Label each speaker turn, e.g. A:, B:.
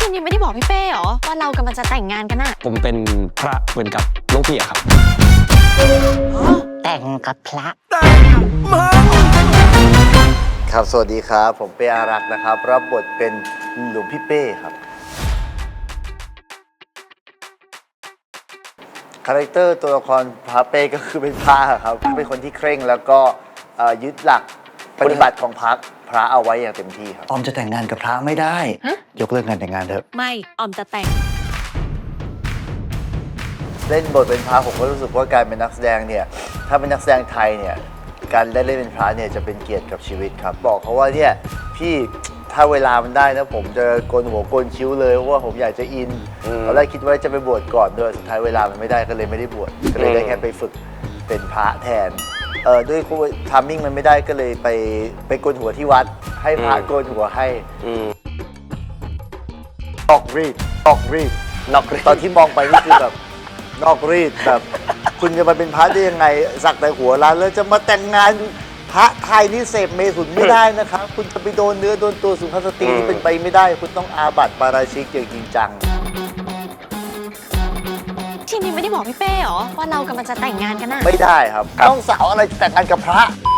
A: ชินยังไม่ได้บอกพี่เป้เหรอว่าเรากำลังจะแต่งงานกันอะ
B: ผมเป็นพระเหมือนกับหลวงพี่อะครับ
C: แต่งกับพระ
D: ครับสวัสดีครับผมเป้อารักษ์นะครับรับบทเป็นหลวงพี่เป้ครับคาแรคเตอร์ตัวละครพระเป้ก็คือเป็นพระครับเป็นคนที่เคร่งแล้วก็ยึดหลักปฏิบัติของพระเอาไว้อย่างเต็มที่ครับ
E: ออมจะแต่งงานกับพระไม่ได้ ยกเลิกงานแต่งงานเถอะ
A: ไม่ออมจะแต่ง
D: เล่นบทเป็นพระผมก็รู้สึกว่าการเป็นนักแสดงเนี่ยถ้าเป็นนักแสดงไทยเนี่ยการได้เล่นเป็นพระเนี่ยจะเป็นเกียรติกับชีวิตครับบอกเขาว่าเนี่ยพี่ถ้าเวลามันได้นะผมจะโกนหัวโกนคิ้วเลยเพราะว่าผมอยากจะอินตอนแรกคิดว่าจะไปบวชก่อนด้วยสุดท้ายเวลามันไม่ได้ก็เลยไม่ได้บวชก็เลยได้แค่ไปฝึกเป็นพระแทนด้วยทามมิ่งมันไม่ได้ก็เลยไปโกนหัวที่วัดให้พระโกนหัวให้ออกรีดตอนที่มองไปนี่คือแบบนอกรีดแบบคุณจะมาเป็นพระได้ยังไงสักแต่หัวล้านแล้วจะมาแต่งงานพระไทยนี่เสพเมถุนไม่ได้นะครับคุณจะไปโดนเนื้อโดนตัวสุภาพสตรีที่เป็นไปไม่ได้คุณต้องอาบัติปาราชิกอย่างจริงจัง
A: ชินยังไม่ได้บอกพี่เป้เหรอว่าเรากำลังจะแต่งงานกันอะ
D: ไม่ได้ครับน้องสาวอะไรจะแต่งงานกับพระ